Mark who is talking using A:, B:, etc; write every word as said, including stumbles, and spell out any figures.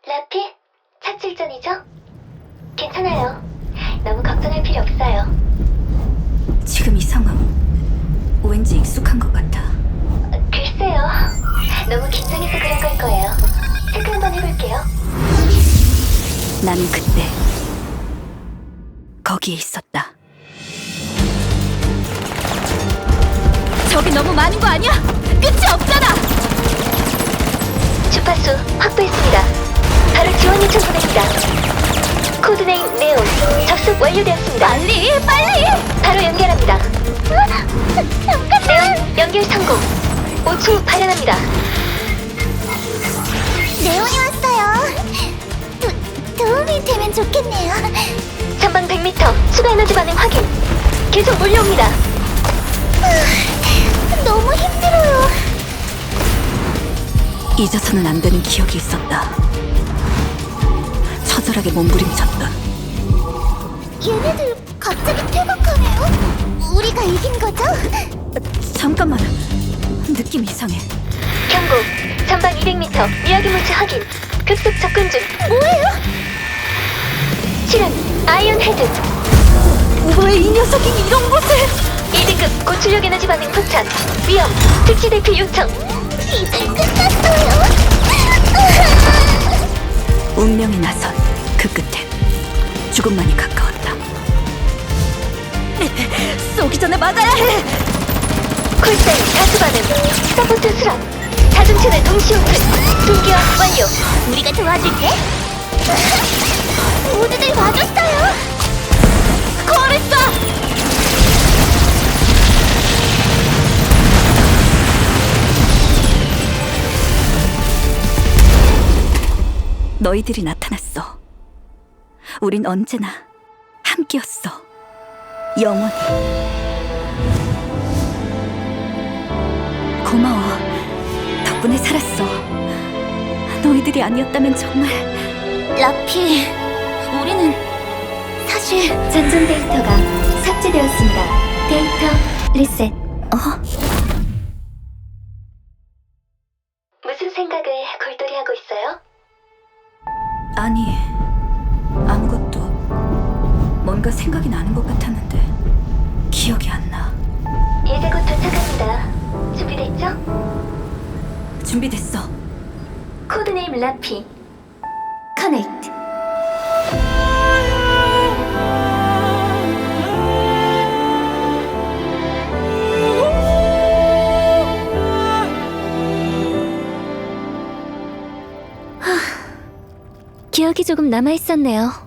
A: 라피? 차출전이죠? 괜찮아요. 너무 걱정할 필요 없어요.
B: 지금 이 상황 왠지 익숙한 것 같아.
A: 어, 글쎄요. 너무 긴장해서 그런 걸 거예요. 체크 한번 해볼게요.
B: 나는 그때 거기에 있었다. 저기 너무 많은 거 아니야? 끝이 없잖아!
A: 주파수 확보했습니다. 바로 지원 요청 보냅니다. 코드네임 네온 접속 완료되었습니다.
B: 빨리! 빨리!
A: 바로 연결합니다. 네온 연결 성공. 오 초 후 발현합니다.
C: 네온이 왔어요. 도, 도움이 되면 좋겠네요.
A: 전방 백 미터 추가 에너지 반응 확인. 계속 몰려옵니다.
C: 너무 힘들어요.
B: 잊어서는 안 되는 기억이 있었다. 처절하게 몸부림쳤던.
C: 얘네들 갑자기 퇴각하네요. 우리가 이긴 거죠?
B: 잠깐만, 느낌 이상해.
A: 경고. 전방 이백 미터 미야기 물체 확인. 급속 접근 중.
C: 뭐예요?
A: 실은 아이언 헤드.
B: 왜 이 녀석이 이런 곳에?
A: 이 등급 고출력 에너지 반응 포착. 위험. 특시 대피 요청.
C: 이제 끝났어요.
B: 운명이 나선 그 끝엔 죽음만이 가까웠다. 쏘기 전에 막아야 해!
A: 콜사인 다수 반응. 서포트 수락. 자동차를 동시 오픈. 동기화 완료.
C: 우리가 도와줄게. 모두들 와줬어요.
B: 코리사! 너희들이 나타났어. 우린 언제나 함께였어. 영원히. 고마워. 덕분에 살았어. 너희들이 아니었다면 정말.
C: 라피, 우리는 사실
A: 전송 데이터가 삭제되었습니다. 데이터 리셋.
B: 어?
A: 무슨 생각을 골똘히 하고 있어요?
B: 아니, 아무것도. 뭔가 생각이 나는 것 같았는데 기억이 안 나.
A: 이제 곧 도착합니다. 준비됐죠?
B: 준비됐어.
A: 코드네임 라피. 커넥트.
C: 기억이 조금 남아있었네요.